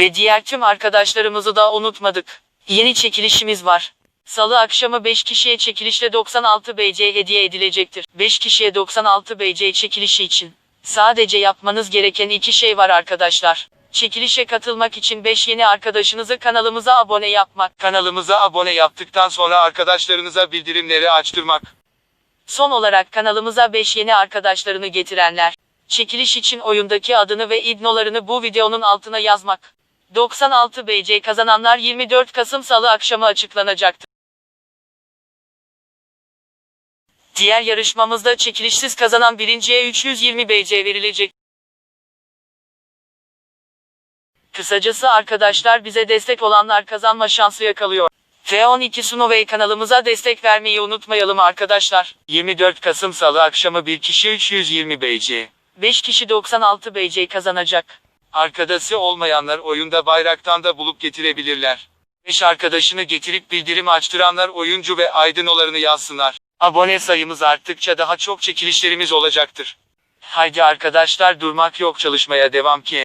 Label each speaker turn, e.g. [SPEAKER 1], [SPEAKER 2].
[SPEAKER 1] Ve diğer tüm arkadaşlarımızı da unutmadık. Yeni çekilişimiz var. Salı akşamı 5 kişiye çekilişle 96 BC hediye edilecektir. 5 kişiye 96 BC çekilişi için sadece yapmanız gereken 2 şey var arkadaşlar. Çekilişe katılmak için 5 yeni arkadaşınızı kanalımıza abone yapmak.
[SPEAKER 2] Kanalımıza abone yaptıktan sonra arkadaşlarınıza bildirimleri açtırmak.
[SPEAKER 1] Son olarak kanalımıza 5 yeni arkadaşlarını getirenler, çekiliş için oyundaki adını ve idnolarını bu videonun altına yazmak. 96 BC kazananlar 24 Kasım Salı akşamı açıklanacaktır. Diğer yarışmamızda çekilişsiz kazanan birinciye 320 BC verilecek. Kısacası arkadaşlar, bize destek olanlar kazanma şansı yakalıyor. F12 Sunovey kanalımıza destek vermeyi unutmayalım arkadaşlar.
[SPEAKER 2] 24 Kasım Salı akşamı bir kişi 320 BC.
[SPEAKER 1] 5 kişi 96 BC kazanacak.
[SPEAKER 2] Arkadaşı olmayanlar oyunda bayraktan da bulup getirebilirler. 5 arkadaşını getirip bildirim açtıranlar oyuncu ve aydınlarını yazsınlar. Abone sayımız arttıkça daha çok çekilişlerimiz olacaktır. Haydi arkadaşlar, durmak yok, çalışmaya devam ki.